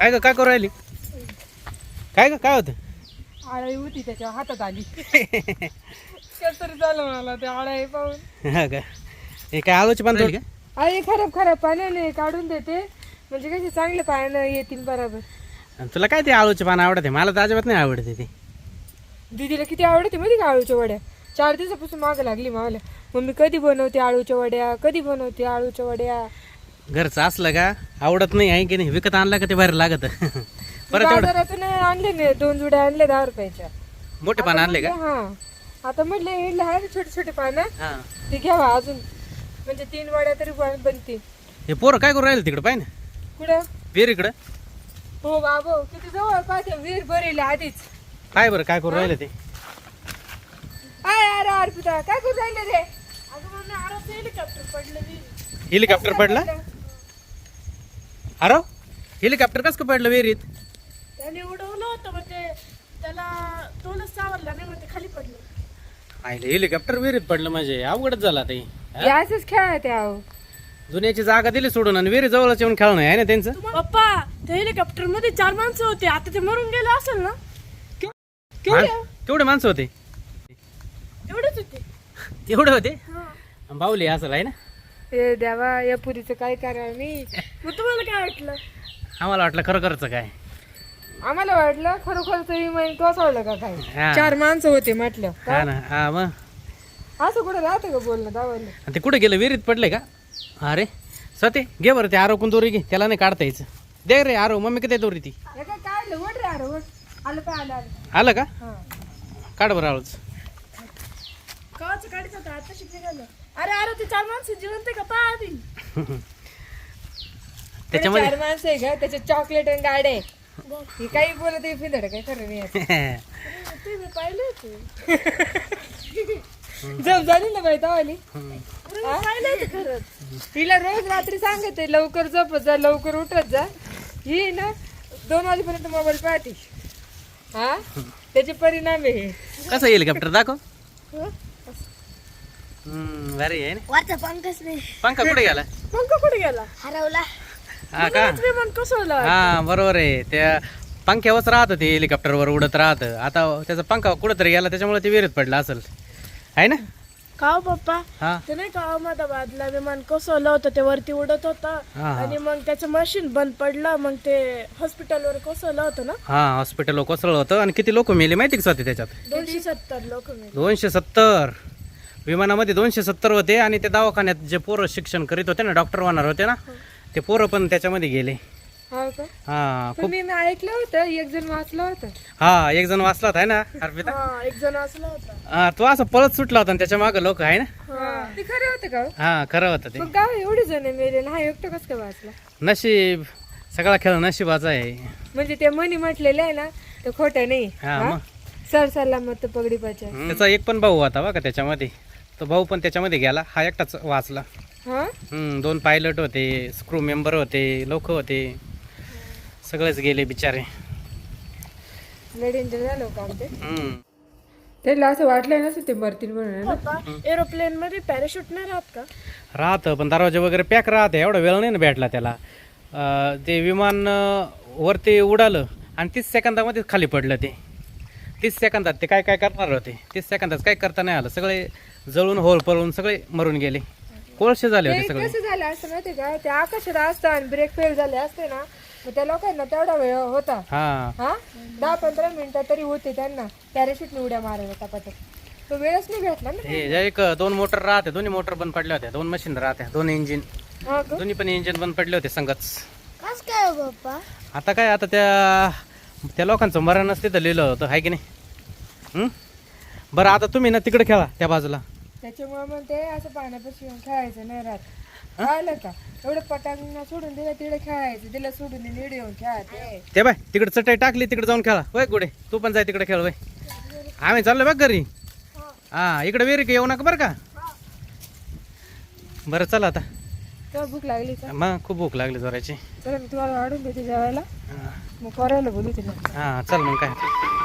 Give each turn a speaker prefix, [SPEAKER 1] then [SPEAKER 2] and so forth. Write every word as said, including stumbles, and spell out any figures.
[SPEAKER 1] काय ग काय करू राहिली? काय ग काय होतं?
[SPEAKER 2] आळी होती त्याच्या हातात आली. कसतरी झालं मला ते आळी पाहून.
[SPEAKER 1] हा का हे काय आळूची पान तोडली का?
[SPEAKER 2] आई खराब खराब पाण्याने काढून देते म्हणजे कशी चांगले पाण्यानं येतील बरोबर.
[SPEAKER 1] आणि तुला काय ते आळूचे पान आवडते? मला तर अजिबात नाही आवडते ते.
[SPEAKER 2] दीदीला किती आवडते माहिती का आळूच्या वड्या. चार दिवसापासून मागं लागली मला. मम्मी कधी बनवते आळूच्या वड्या, कधी बनवते आळूच्या वड्या.
[SPEAKER 1] घरचं असलं का आवडत नाही आहे की नाही, विकत आणलं का ते बाहेर लागत. परत एवढं
[SPEAKER 2] बाजारातून आणले नाही, दोन जुड्या आणले दहा रुपयाच्या.
[SPEAKER 1] मोठे पान आणले का?
[SPEAKER 2] हा आता म्हटलं हे लहान छोटे छोटे पानं
[SPEAKER 1] हा
[SPEAKER 2] ते घ्यावा अजून, म्हणजे तीन वड्या तरी बन- बनतील.
[SPEAKER 1] हे पोरं काय करू राहिले तिकडे पाय ना
[SPEAKER 2] कुठं?
[SPEAKER 1] विहीर इकडं.
[SPEAKER 2] हो बाबो किती जवळ पाहते विहीर भरेल आधीच.
[SPEAKER 1] काय बरं काय करू राहिले ते?
[SPEAKER 2] आय अरे अर्पिता काय करू राहिले रे? अगं मम्मी आराम हेलिकॉप्टर पडलं विहीर.
[SPEAKER 1] हेलिकॉप्टर पडला? अरे हेलिकॉप्टर कसं काय पडलं विहिरीत?
[SPEAKER 2] त्याने उडवलं होतं मग ते त्याला तोलच सावरला नाही मग ते खाली पडलं.
[SPEAKER 1] आईले हेलिकॉप्टर विहिरीत पडलं म्हणजे अवघडच झाला ते.
[SPEAKER 2] याच खेळ आहे ते आहो.
[SPEAKER 1] जुन्याची जागा दिली सोडून आणि विहिरी जवळच येऊन खेळणं आहे ना त्यांचं.
[SPEAKER 2] पप्पा त्या हेलिकॉप्टर मध्ये चार माणसं होते, आता ते मरून गेले असेल ना.
[SPEAKER 1] मा- केवढे माणसं होते?
[SPEAKER 2] एवढेच होते.
[SPEAKER 1] तेवढे होते बाहुली असं आहे ना.
[SPEAKER 2] ए देवा या पुरीचं काय करा मी. मग तुम्हाला काय वाटलं?
[SPEAKER 1] आम्हाला वाटलं खरं खरंच काय.
[SPEAKER 2] आम्हाला वाटलं खरोखर तरी मग कोसळलं का काय.
[SPEAKER 1] हा.
[SPEAKER 2] चार माणसं होते म्हटलं
[SPEAKER 1] हा ना हा मग
[SPEAKER 2] असं कुठं राहतं का बोलणं दावलं.
[SPEAKER 1] आणि ते कुठे गेलं विहिरीत पडले का? अरे सते घे बरं ते आरो कोण दोरी घे, त्याला नाही काढता यायचं. दे रे आरो मम्मी किती दोरी ती
[SPEAKER 2] हे काय काढलं वड रे अरे वड. आलं काय आलं आलं.
[SPEAKER 1] आलं का?
[SPEAKER 2] हा
[SPEAKER 1] काढ बरं आळूच.
[SPEAKER 2] कवाचं काढत होतं आता शिकले. अरे अरे ते चार माणसं जिवंत आहे का पाहतील.
[SPEAKER 1] त्याच्यामध्ये
[SPEAKER 2] चार माणसं आहे का त्याचे चॉकलेट आणि गाडे. ही काही बोलत आहे फिदड काय खरं नाही याचं. तुम्ही पाहिले होते जप झाली ना बाई तवाली. तिला रोज रात्री सांगते लवकर झोपत जा लवकर उठत जा. ही ना दोन वाजेपर्यंत मोबाईल पाहते. हा त्याचे परिणाम आहे.
[SPEAKER 1] कसं हेलिकॉप्टर दाखव. हम्म भारी आहे ना.
[SPEAKER 3] वरचा पंकच नाही
[SPEAKER 1] पंखा कुठे गेला?
[SPEAKER 2] पंख कुठे गेला?
[SPEAKER 3] हरवला.
[SPEAKER 1] हा का?
[SPEAKER 2] विमान कोसळलं.
[SPEAKER 1] हा बरोबर आहे. त्या पंख्यावरच राहतं ते हेलिकॉप्टरवर उडत राहतं. आता त्याचा पंखा कुठंतरी गेला त्याच्यामुळे ते विहिरीत पडला असेल आहे ना.
[SPEAKER 2] का हो पप्पा
[SPEAKER 1] हा
[SPEAKER 2] ते नाही का अहमदाबादला विमान कोसळलं होतं ते वरती उडत होतं
[SPEAKER 1] हा, हा.
[SPEAKER 2] आणि मग त्याचं मशीन बंद पडलं मग ते हॉस्पिटलवर कोसळलं होतं ना.
[SPEAKER 1] हा हॉस्पिटल कोसळलं होतं आणि किती लोक मेले माहिती का स्वतः त्याच्यात?
[SPEAKER 2] दोनशे सत्तर लोक
[SPEAKER 1] दोनशे सत्तर विमानामध्ये दोनशे सत्तर होते. आणि ते दवाखान्यात जे पोरं शिक्षण करीत होते ना, डॉक्टर होणार होते ना, ते पोरं पण त्याच्यामध्ये गेले.
[SPEAKER 2] हा का?
[SPEAKER 1] हा खूप.
[SPEAKER 2] तुम्ही मी ऐकलं होतं एक जण वाचलं होतं.
[SPEAKER 1] हा एक जण वाचला होता है ना अर्पिता.
[SPEAKER 2] हा एक जण वाचलं होतं.
[SPEAKER 1] हा तो असं पळत सुटला होता आणि त्याच्या मागे लोक आहे ना.
[SPEAKER 2] ते खरं होतं का हो?
[SPEAKER 1] हा खरं होतं ते.
[SPEAKER 2] मग गाव एवढे जण मेले ना, हा एकटं कसं काय वाचला?
[SPEAKER 1] नशीब सगळा खेळ नशिबाचा आहे.
[SPEAKER 2] म्हणजे ते मनी म्हटलेलं आहे ना ते खोटं नाही.
[SPEAKER 1] हा
[SPEAKER 2] हा?
[SPEAKER 1] मग
[SPEAKER 2] सर सल्ला मत पगडी पाचा.
[SPEAKER 1] त्याचा एक पण भाऊ होता बघा त्याच्यामध्ये, तो भाऊ पण त्याच्यामध्ये गेला, हा एकटाच वाचला.
[SPEAKER 2] हा
[SPEAKER 1] हम्म दोन पायलट होते, स्क्रू मेंबर होते, लोक होते, सगळेच गेले बिचारे.
[SPEAKER 2] लय डेंजर झालं काम ते.
[SPEAKER 1] हम्म
[SPEAKER 2] त्याला असं वाटलं नसतं ते मरतील म्हणून. एरोप्लेन मध्ये पॅराशूट नाही राहत का?
[SPEAKER 1] राहतं पण दरवाजे वगैरे पॅक राहते, एवढा वेळ नाही ना भेटला त्याला. अं, ते विमान अं, वरती उडालं आणि तीस सेकंदामध्येच खाली पडलं ते. तीस सेकंदात ते काय काय करणार होते, तीस सेकंदात काय करता नाही आलं. सगळे जळून होल पळून सगळे मरून गेले, कोळसे झाले होते
[SPEAKER 2] ते
[SPEAKER 1] सगळे.
[SPEAKER 2] कसं झालं असतं माहिती का, ते आकाशात असतं आणि ब्रेक फेल झाले असते ना, मग त्या लोकांना तेवढा वेळ होता.
[SPEAKER 1] हा
[SPEAKER 2] हा दहा पंधरा मिनिटं तरी होते त्यांना पॅराशूटने उड्या मारायला तपाटात. तो वेळच नाही भेटला ना.
[SPEAKER 1] हे जे एक दोन मोटर राहते, दोन्ही मोटर बंद पडल्या होत्या, दोन मशीन राहत्या, दोन इंजिन,
[SPEAKER 2] हा का?
[SPEAKER 1] दोन्ही पण इंजिन बंद पडले होते संगच.
[SPEAKER 3] कस काय हो पप्पा?
[SPEAKER 1] आता काय, आता त्या त्या लोकांचं मरणच तिथं लिहिलं होतं आहे की नाही. हं? बरं आता तुम्ही ना तिकडे खेळा त्या बाजूला.
[SPEAKER 2] त्याच्यामुळे मग ते असं पाण्यापाशी येऊन खेळायचं नाही राहत. कळलं का? एवढं पटांगणा सोडून दिलं तिकडे खेळायचं, तिला सोडून नीड येऊन खेळायचे.
[SPEAKER 1] ते बाय तिकडे चटई टाकली, तिकडे जाऊन खेळा. वय गुडे तू पण जाय तिकडे खेळ. वय आम्ही चाललो बघ घरी. हा इकडे विहिरी का येऊ नका बरं का. बरं चला आता.
[SPEAKER 2] तेव्हा भूक लागली का?
[SPEAKER 1] मग खूप भूक लागली जोराची.
[SPEAKER 2] चला मी तुम्हाला वाढून देते जेवायला, मग करायला बोलू तिला.
[SPEAKER 1] हा चल मग काय.